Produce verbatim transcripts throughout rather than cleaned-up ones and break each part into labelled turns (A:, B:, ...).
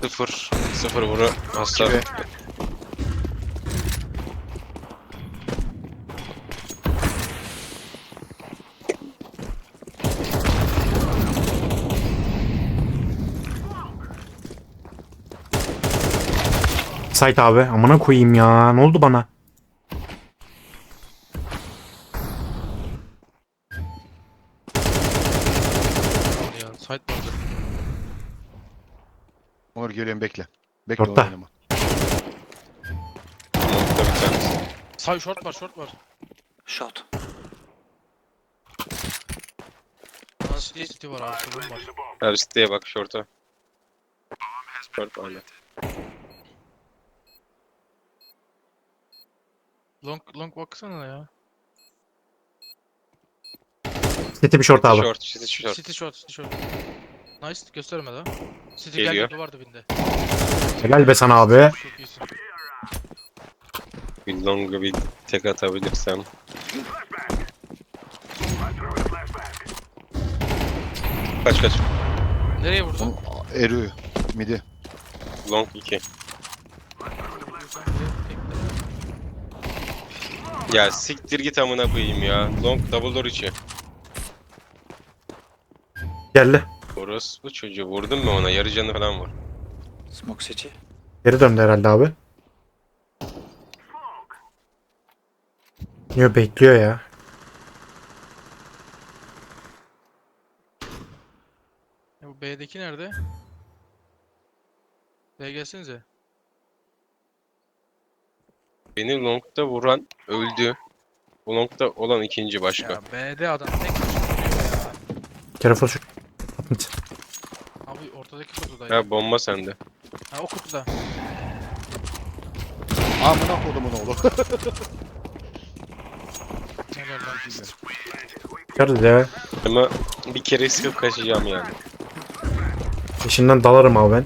A: Sıfır. Sıfır vuru. Hasar.
B: Gibi.
C: Sait abi amına koyayım ya. Ne oldu bana?
D: Ya site vardı.
B: Onur geliyorum bekle. Bekle
C: Orta.
B: onu oynama.
A: Nokta bir tanesi.
D: Site short var, short var.
E: Shot.
D: Aa, City, City var abi, sorun var.
A: Her siteye bak şorta. Short hala.
D: Long, long baksana ya.
C: City bir short abi.
A: Short, short, short.
D: City short, City short. Nice, gösterme daha. City
A: Geliyor.
D: geldi, duvar dibinde.
C: Helal be sana abi.
D: Çok iyisin.
A: Bir longa bir tek atabilirsem. Kaç kaç.
D: Nereye vurdun?
B: Aa, Eriyor. Midi.
A: Long iki. Ya siktir git amına koyayım ya. Long double door içi.
C: Geldi.
A: Orası bu çocuğu vurdun mu ona? Yarı canı falan var.
E: Smoke city.
C: Geri döndü herhalde abi. Niye bekliyor ya?
D: Ya bu B'deki nerede? B gelsenize.
A: Beni longda vuran öldü. Bu longda olan ikinci başka.
D: Ya B'de adam tek başına duruyor ya.
C: Careful shoot. Mid.
D: Abi ortadaki kutudaydı.
A: Ya bomba sende.
D: Ha o kutuda.
B: Amına kodumun oğlu.
D: Helal lan.
C: Geldi ya.
A: Ama bir kere sıkıp kaçacağım yani.
C: Peşinden dalarım abi ben.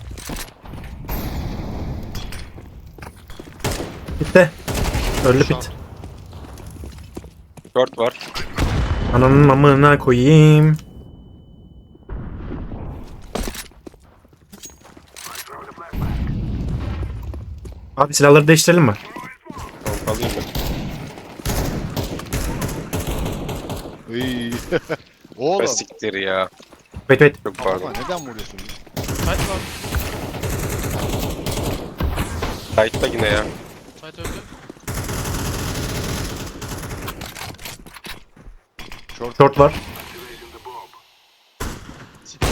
C: Bitti. Öldü bit.
A: Short var.
C: Ananın amına koyayım. Abi silahları değiştirelim mi?
A: Tamam, alayım ben.
B: Iy.
A: Be
B: Oğlum.
A: siktir ya.
C: Wait wait.
A: Çok
B: Ama
A: pardon.
B: neden vuruyorsun?
D: Site var.
A: Sight'ta yine ya.
D: Site öldü.
B: Short.
C: Short var.
D: City.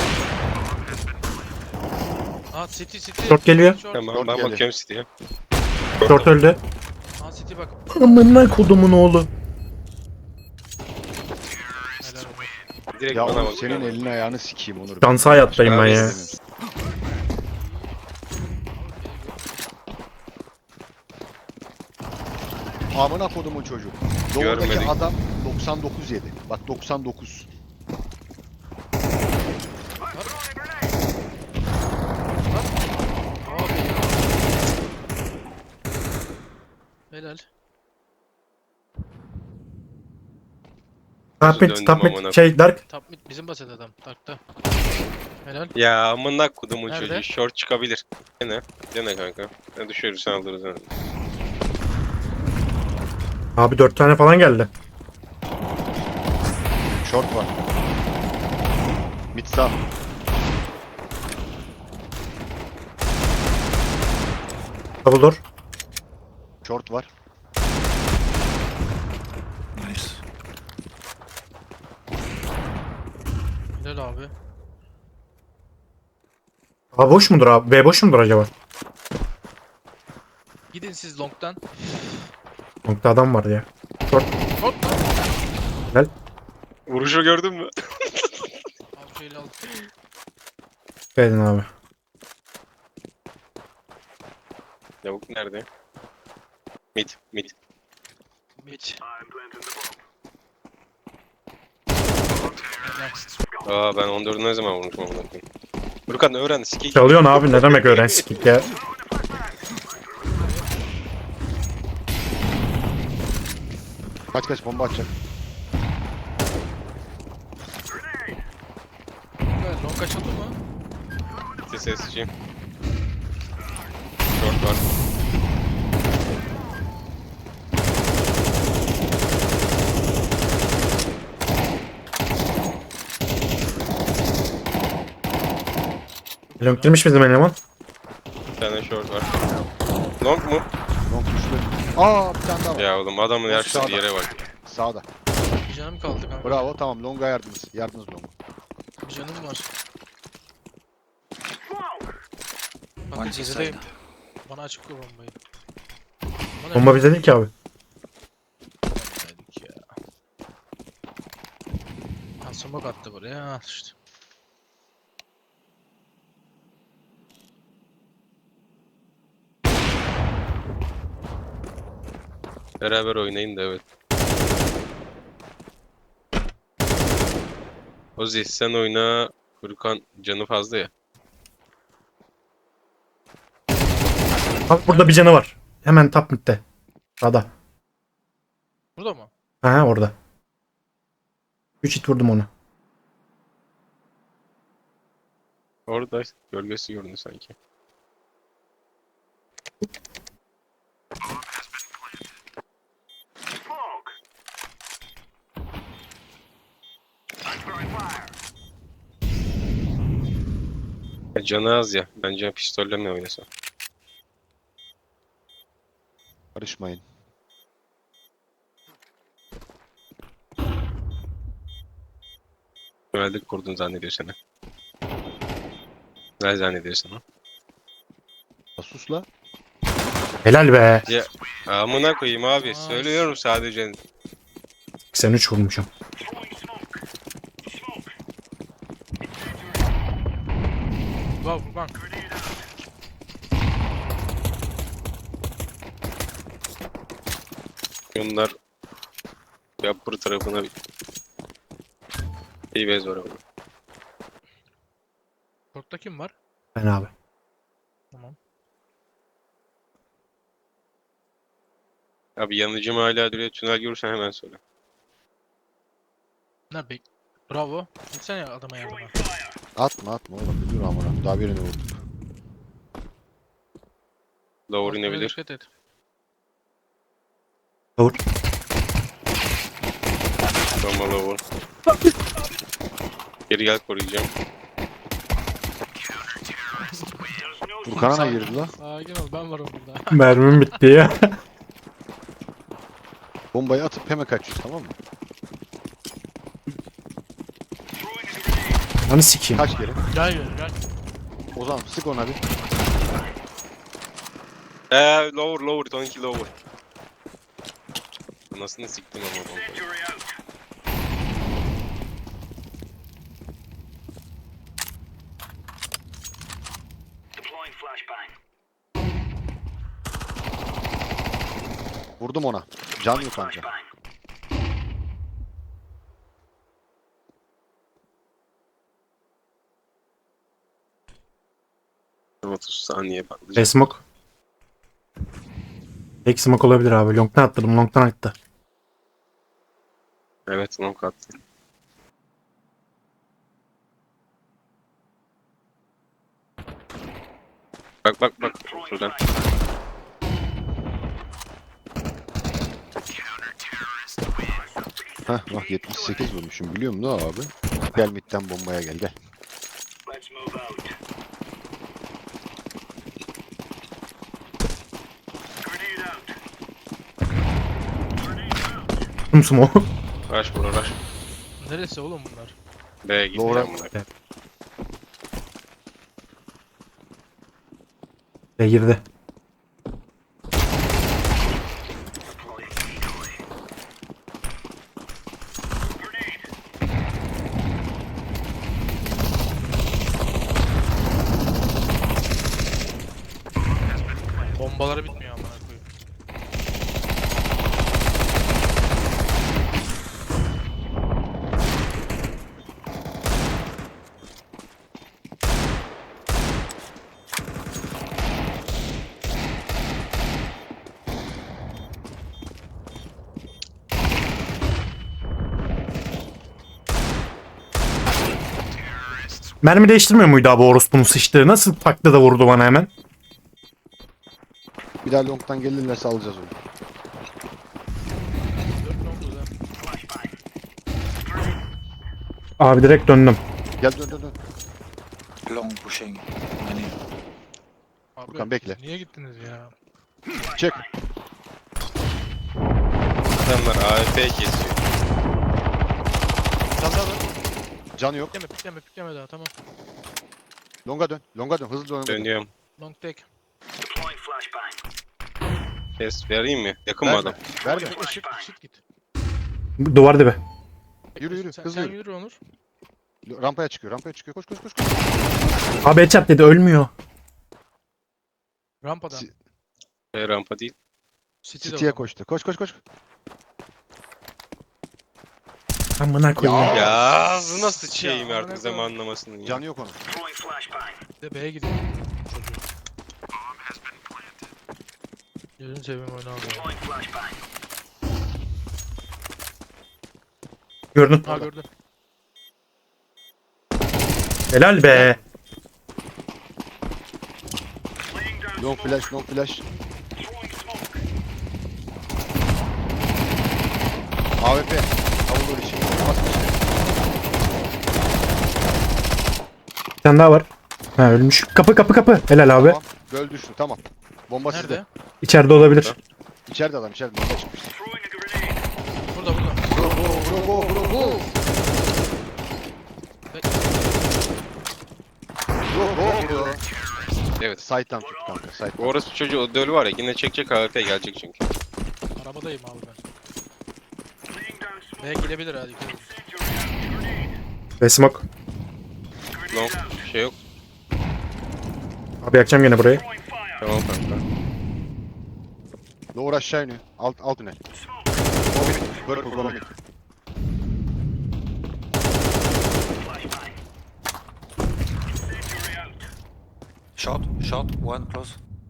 D: Aa City, City.
C: Short geliyor.
D: Short.
A: Tamam
B: Short
A: ben
B: geldi.
A: bakıyorum City'ye.
C: Short öldü.
D: Aa City bak.
C: Amına kodumun oğlu.
D: Helal olsun.
A: Direkt
B: Ya
A: bana
B: Onur,
A: bakıyorum.
B: senin elini ayağını sikeyim Onur.
C: Şansa hayattayım ben ya.
B: Amına kodumun çocuğu. Doğudaki
A: Görmedik.
B: adam doksan dokuz yedi. Bak doksan dokuz.
D: Abi ya. Helal.
C: Top mid,
A: Döndüm
C: top
A: amına
C: mid, şey Dark.
D: Top mid bizim basit adam. Dark'ta. Helal.
A: Ya amına kodumun
D: Nerede?
A: çocuğu. Short çıkabilir. Dene. Dene kanka. Ne düşürürsen alırız. Yani.
C: Abi dört tane falan geldi.
B: Short var. Mid sağ.
C: Double door.
B: Short var.
E: Nice.
D: Helal abi.
C: A boş mudur abi? B boş mudur acaba?
D: Gidin siz long'dan.
C: Nokta adam var ya.
D: Short lan.
A: Vuruşu gördün mü?
D: Abi şöyle al.
C: Geldin abi.
A: Lavuk nerede? Mid. Mid.
D: Mid.
A: Aa ben on dördü ne zaman vurmuşum amına koyayım. Furkan öğren sikik.
C: Çalıyorsun abi ne demek öğren sikik ya.
B: Kaç kaç bomba atacak.
D: Evet, long açıldı mı?
A: Sesçi. var.
C: Long girmiş bizim eleman.
A: Bir tane short var. Long mu?
B: Long düştü. Aa bir tane daha var.
A: Ya oğlum adamın
B: Long
A: yaşlı
B: sağda.
A: yere bak.
B: Sağda.
D: Bir canım kaldı kanka.
B: Bravo tamam Long'a yardınız. Yardınız Long'a.
D: Bir canım var.
E: One
D: Bak
E: inside.
D: gezideyim. Bana açık koy bombayı. Bana
C: Bomba bize değil ki abi.
D: Dedik ya. Ha smoke attı buraya. Ha işte.
A: Beraber oynayın da evet. Ozi sen oyna. Furkan canı fazla ya.
C: Abi burada bir canı var. Hemen top mid'de. Sağda.
D: Burada mı?
C: Ha orada. üç hit vurdum onu.
A: Orada gölgesi göründü sanki. Ya canı az ya. Bence pistolle mi oynasa?
B: Karışmayın.
A: Güvenlik kurdun zannediyor seni. Ne zannediyor sana?
B: Ya sus la.
C: Helal be.
A: Ya amına koyayım abi.
D: Ay.
A: Söylüyorum sadece.
C: seksen üç vurmuşum.
D: Wow Furkan.
A: Bunlar yapır tarafına bir iyi bez var ama.
D: Short'ta kim var?
C: Ben abi.
D: Tamam.
A: Abi yanıcım hala duruyor. Tünel görürsen hemen söyle.
D: Ne bek? Bravo. Gitsene ya adama yardıma.
B: Atma atma oğlum. Bir dur amına. Daha birini vurduk.
A: Lower
D: Atmaya
A: inebilir.
D: dikkat et.
C: Doğru.
A: Tamam lower. Geri gel koruyacağım.
B: Furkan'a ne girdi la?
D: Sakin ol ben varım burada.
C: Mermim bitti ya.
B: Bombayı atıp hemen kaçıyoruz tamam mı?
C: Hani sikeyim.
B: Kaç kere?
D: Gel gel gel.
B: O zaman sık ona bir.
A: Eee lower lower. on iki lower. Anasını siktim ama bombayı.
B: Vurdum ona. Can yok anca.
A: otuz saniye patlayacak.
C: Hey smoke. Tek smoke olabilir abi. Long'dan attırdım. Long'dan attı.
A: Evet long attım. Bak bak bak. Şuradan.
B: Heh bak yetmiş sekiz vurmuşum biliyor musun ne abi? Gel midden bombaya gel gel.
C: Tüm smoke.
A: Rush bura rush.
D: Neresi oğlum bunlar?
A: B'ye gitti
B: Lower'a-
A: amına.
C: Ve girdi.
D: Bombaları bitmiyor amına koyayım.
C: Mermi değiştirmiyor muydu abi orospunun sıçtığı? Nasıl taktı da vurdu bana hemen?
B: Bir daha long'tan gelirlerse alacağız onu.
D: Dört long burada.
C: Abi direkt döndüm.
B: Gel dön dön dön.
E: Long pushing. Many.
D: Abi,
B: Furkan, bekle.
D: Niye gittiniz ya?
B: Çek.
A: Adamlar A F P kesiyor.
D: Sen daha var.
B: Can yok.
D: Pikleme pikleme pikleme daha tamam.
B: Longa dön. Longa dön. Hızlı longa dön.
A: Dönüyorum.
D: Long tek.
A: Kes vereyim mi? Yakın mı
B: Verme.
A: adam?
B: Verme.
D: Bekle şık şık git.
C: Duvar dibi.
B: Yürü yürü.
D: Sen,
B: Hızlı
D: sen
B: yürü.
D: yürü Onur.
B: Rampaya çıkıyor. Rampaya çıkıyor. Koş koş koş koş.
C: Abi headshot dedi ölmüyor.
D: Rampadan.
B: Si-
A: E, rampa değil.
D: City'de o
B: City'ye
D: zaman.
B: koştu. Koş koş koş.
C: Amına koyayım.
A: Ya ağzına sıçayım
D: Ya,
A: artık
D: amına
A: zamanlamasını ya.
B: Canı yok onun.
D: Bir de B'ye gidiyor. Çocuğu. Gözünü seveyim oyunu aldı.
C: Gördün.
D: Ha gördüm.
C: Helal be.
B: Long flash, long flash. A W P. Avulur için. Basmış.
C: Bir tane daha var. Ha ölmüş. Kapı kapı kapı. Helal abi.
B: Tamam. Göl düştü. Tamam. Bomba sizde.
D: Nerede?
C: İçeride olabilir.
B: İçeride adam. İçeride. Bomba çıkmıştı.
D: Burada burada.
B: Bro bro bro bro bro.
D: Bekle.
B: Bro bro bro.
A: Evet.
B: Side'dan tut kanka.
A: Bu
B: Side'dan.
A: orası çocuğu o dölü var ya yine çekecek A F P gelecek çünkü.
D: Arabadayım abi ben. B'ye gelebilir hadi. Dikkat edin.
C: Ve smoke.
A: Long bir şey yok.
C: Abi yakacağım gene burayı.
A: Tamam kanka.
B: Lower aşağı iniyor. Alt alt iner. Purple go mid.
E: Shot, shot, one close.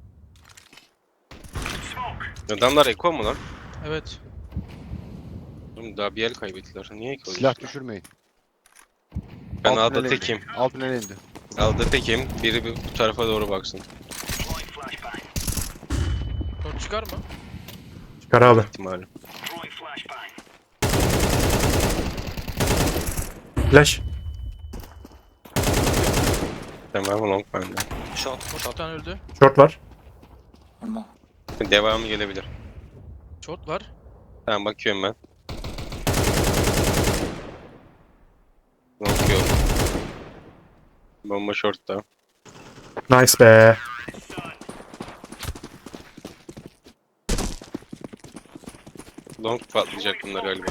A: Adamlar eko mu lan?
D: Evet.
A: Oğlum daha bir el kaybettiler. Niye eko?
B: Silah düşürmeyin.
A: Ben
B: Alt
A: A'da
B: tünele
A: tekim.
B: indi. Alt tünele indi.
A: A'da tekim. Biri bir- bu tarafa doğru baksın.
D: Short çıkar mı?
C: Çıkar abi.
A: İhtimali.
C: Flash.
A: Tamam long bende.
E: Shot,
D: Short bir
E: shot,
D: tane öldü.
C: Short var.
E: one more.
A: Devamı gelebilir.
D: Short var.
A: Tamam bakıyorum ben. Long yok. Bomba short'ta.
C: Nice be.
A: Long patlayacak bunlar galiba.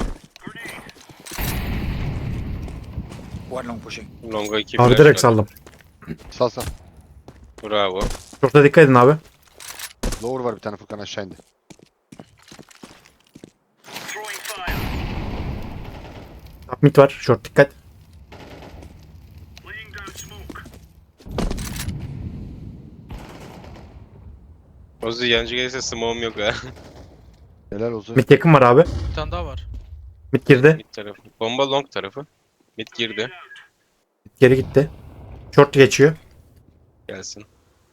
E: One long pushing.
A: Long'a iki
C: Abi
A: flash
C: direkt
A: var.
C: saldım.
B: Sal sal.
A: Bravo.
C: Short'a dikkat edin abi.
B: Lower var bir tane Furkan aşağı indi.
C: Top mid var. Short dikkat.
A: Ozi yancı gelirse smoke'um yok ha.
B: Helal olsun.
C: Mid yakın var abi.
D: Bir tane daha var.
C: Mid girdi.
A: Mid tarafı. Bomba long tarafı. Mid girdi.
C: Mid geri gitti. Short geçiyor.
A: Gelsin.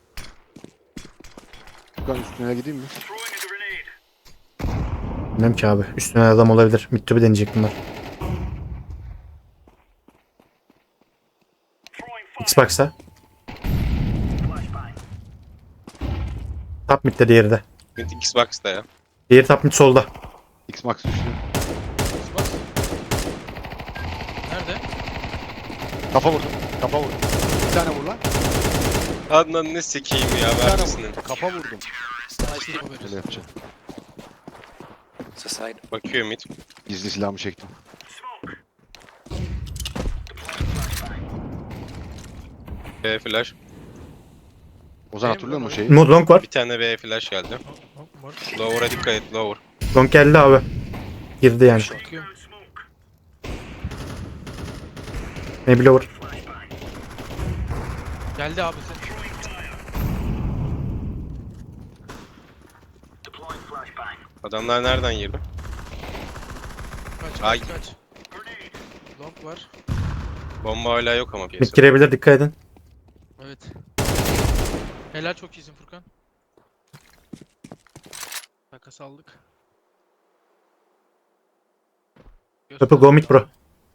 B: Furkan üstüne gideyim mi?
C: Bilmem ki abi. Üstüne adam olabilir. Mid to be deneyecek bunlar. Xbox'a. Top midde diğeri de.
A: Mid Xbox'ta ya.
C: Diğeri top mid solda.
B: X-Max düştü.
D: Bak. Nerede?
B: Kafa vurdum. Kafa vurdum. Bir tane vur lan.
A: Adnan ne sikeyim ya
B: Bir tane
A: vermesinin.
B: vurdum. Kafa vurdum.
D: Nice top
B: Öyle
D: veririz.
B: yapacağım.
E: The side.
A: Bakıyor mid.
B: Gizli silahımı çektim.
A: B flash.
B: Ozan
D: Benim
B: hatırlıyor musun
D: lan
B: şeyi?
C: Mod long var.
A: Bir tane B flash geldi.
D: Hop, hop, var.
A: Lower'a dikkat et lower.
C: Long geldi abi. Girdi yani.
D: Bakıyorum.
C: Maybe lower.
D: Geldi abi sen.
A: Adamlar nereden girdi?
D: Kaç
A: Ay.
D: kaç kaç. Long var.
A: Bomba hala yok ama
C: Mid
A: piyasada.
C: girebilir dikkat edin.
D: Evet. Helal çok iyisin Furkan. Takas aldık.
C: Purple go mid bro.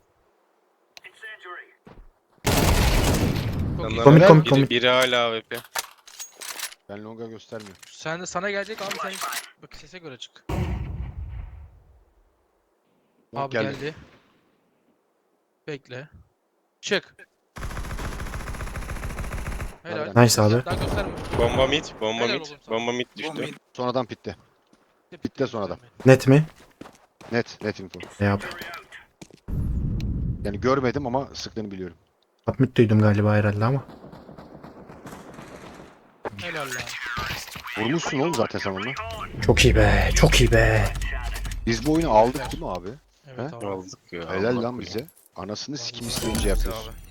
D: Çok iyi.
A: Yanlarına
C: Komik,
A: biri-
C: komik, komik.
A: Biri hala A W P.
B: Ben longa göstermiyorum.
D: Sen de sana gelecek abi sen bak sese göre çık.
B: Long
D: Abi
B: geldi.
D: geldi. Bekle. Çık. Helal.
B: Nereden?
C: Nice abi.
D: Daha gösterme.
A: Bomba mid, bomba
D: Helal
A: mid,
D: oğlum sana.
A: bomba mid
E: One
A: düştü.
E: mid.
B: Sonradan pitte. Bitti sonradan.
C: Net mi?
B: Net. Net info.
C: Ne yap?
B: Yani görmedim ama sıktığını biliyorum.
C: Top mid duydum galiba herhalde ama.
D: Helal lan.
B: Vurmuşsun oğlum zaten sen onunla.
C: Çok iyi be. Çok iyi be.
B: Biz bu oyunu aldık değil mi abi?
D: Evet
B: He?
D: abi.
A: Aldık ya.
B: Helal
A: Allah
B: lan
A: korusun.
B: bize. Anasını sikim isteyince yapıyorsun.
D: Abi.